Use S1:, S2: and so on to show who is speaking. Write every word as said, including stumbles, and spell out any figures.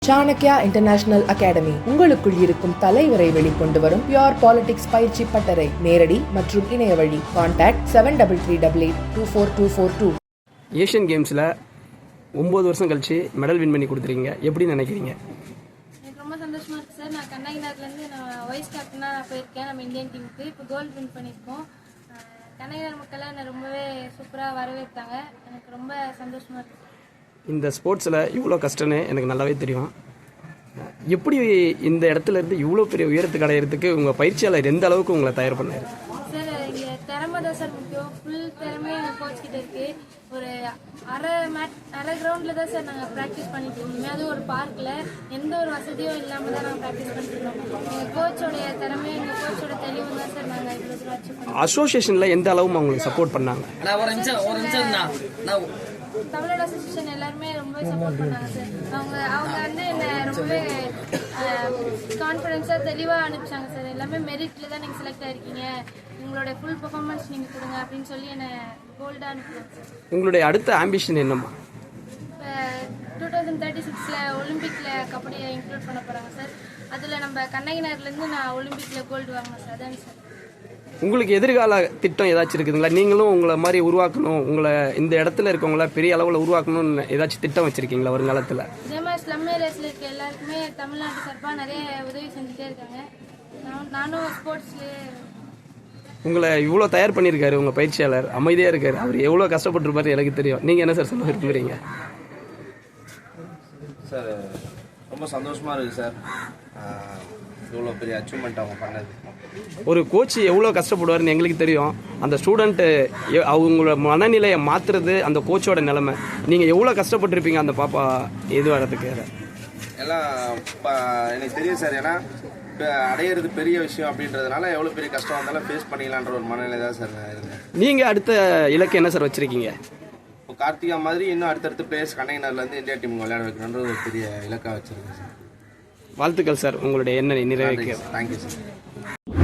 S1: Chanakya international academy உங்களுக்குள் இருக்கும் தலைவரை வெளிக்கொண்டு வரும் பியூர் பாலிடிக்ஸ் பயிற்சி பட்டறை. நேரடி மற்றும் இணைய வழி. Contact seven double three double eight two four two four two.
S2: Asian கேம்ஸில் ஒம்பது வருஷம் கழிச்சு மெடல் வின் பண்ணி கொடுத்துருக்கீங்க, எப்படி நினைக்கிறீங்க?
S3: எனக்கு ரொம்ப சந்தோஷமா இருக்கு சார். நான் கண்ணகினார்லேருந்து நான் வைஸ் கேப்டனாக நான் போயிருக்கேன் நம்ம இந்தியன் டீமுக்கு. இப்போ கோல்டு வின் பண்ணியிருக்கோம். கண்ணகினார் மக்கள்லாம் என்னை ரொம்பவே சூப்பராக வரவேற்றாங்க. எனக்கு ரொம்ப சந்தோஷமா இருக்கு.
S2: இந்த ஸ்போர்ட்ஸில் இவ்வளோ கஷ்டம்னு எனக்கு நல்லாவே தெரியும். எப்படி இந்த இடத்துல இருந்து இவ்வளோ பெரிய உயரத்துக்கு அடையிறதுக்கு உங்கள் பயிற்சியாளர் எந்த அளவுக்கு உங்களை தயார் பண்ணார்?
S3: சார் இங்கே திறமை தான் சார் முக்கியம். ஃபுல் திறமையே எங்கள் கோச் கிட்ட இருக்கு. ஒரு அரை மேட் அரை கிரவுண்டில் தான் சார் நாங்கள் ப்ராக்டிஸ் பண்ணிட்டு இருக்கோம். அதுவும் ஒரு பார்க்கில் எந்த ஒரு வசதியும் இல்லாமல் தான் நாங்கள் ப்ராக்டிஸ் பண்ணிட்டு இருக்கோம். எங்கள் கோச்சோடைய திறமையும் எங்கள் கோச்சோட தெளிவு தான் சார் நாங்கள் இவ்வளோ தூரம் அச்சீவ் பண்ணோம்.
S2: அசோசியேஷனில் எந்த அளவு அவங்களுக்கு சப்போர்ட் பண்ணாங்க?
S3: தமிழோட அசோசியேஷன் எல்லாருமே ரொம்பவே சப்போர்ட் பண்ணாங்க சார். அவங்க அவங்க வந்து என்னை ரொம்பவே கான்ஃபிடென்ஸாக தெளிவாக அனுப்பிச்சாங்க சார். எல்லாமே மெரிட்டில் தான் நீங்கள் செலக்ட் ஆகிருக்கீங்க, உங்களோட ஃபுல் பெர்ஃபார்மன்ஸ் நீங்கள் கொடுங்க அப்படின்னு சொல்லி என்னை கோல்டாக அனுப்புவாங்க சார்.
S2: உங்களுடைய அடுத்த ஆம்பிஷன் என்னம்மா?
S3: இப்போ டூ தௌசண்ட் தேர்ட்டி சிக்ஸில் ஒலிம்பிக்கில் கபடியை இன்க்ளூட் பண்ண போகிறாங்க சார். அதில் நம்ம கண்ணகினார்லேருந்து நான் ஒலிம்பிக்கில் கோல்டு வாங்கினேன் சார். அதான் சார்.
S2: உங்களுக்கு எதிர்கால திட்டம் ஏதாச்சும் இருக்குதுங்களா? நீங்களும் உங்களை மாதிரி உருவாக்கணும், உங்களை இந்த இடத்துல இருக்கவங்கள பெரிய அளவில் உருவாக்கணும்னு ஏதாச்சும் திட்டம் வச்சுருக்கீங்களா வருங்காலத்தில்?
S3: இதே மாதிரி ஸ்லம் ஏரியாஸில் இருக்க எல்லாருக்குமே தமிழ்நாட்டு சார்பாக நிறைய உதவி செஞ்சுட்டே இருக்காங்க. நான் நானும் ஸ்போர்ட்ஸ்லேயே.
S2: உங்களை இவ்வளோ தயார் பண்ணியிருக்காரு உங்கள் பயிற்சியாளர், அமைதியாக இருக்கார். அவர் எவ்வளோ கஷ்டப்பட்டுருப்பாரு எனக்கு தெரியும். நீங்கள் என்ன சார் சொல்ல விரும்புகிறீங்க?
S4: சார் ரொம்ப சந்தோஷமாக இருக்குது சார், இவ்வளோ பெரிய அச்சீவ்மெண்ட் அவங்க பண்ணது.
S2: ஒரு கோச் எவ்வளோ கஷ்டப்படுவார்னு எங்களுக்கு தெரியும். அந்த ஸ்டூடெண்ட்டு அவங்களோட மனநிலையை மாற்றுறது அந்த கோச்சோட நிலைமை. நீங்கள் எவ்வளோ கஷ்டப்பட்டுருப்பீங்க அந்த பாப்பா இது வரதுக்கு?
S4: எல்லாம் எனக்கு தெரியும் சார். ஏன்னா இப்போ அடையிறது பெரிய விஷயம் அப்படின்றதுனால எவ்வளோ பெரிய கஷ்டம் வந்தாலும் ஃபேஸ் பண்ணிக்கலான்ற ஒரு மனநிலை தான் சார் இருந்தேன்.
S2: நீங்கள் அடுத்த இலக்கு என்ன சார் வச்சுருக்கீங்க?
S4: இப்போ கார்த்திகா மாதிரி இன்னும் அடுத்தடுத்த பிளேயர்ஸ் கண்ணகினார்லேருந்து இந்தியா டீம் விளையாட வைக்கணுன்ற ஒரு பெரிய இலக்காக வச்சுருக்கேன் சார்.
S2: வாழ்த்துக்கள் சார், உங்களுடைய எண்ணெய் நிறைவேற்க.
S4: Thank you sir.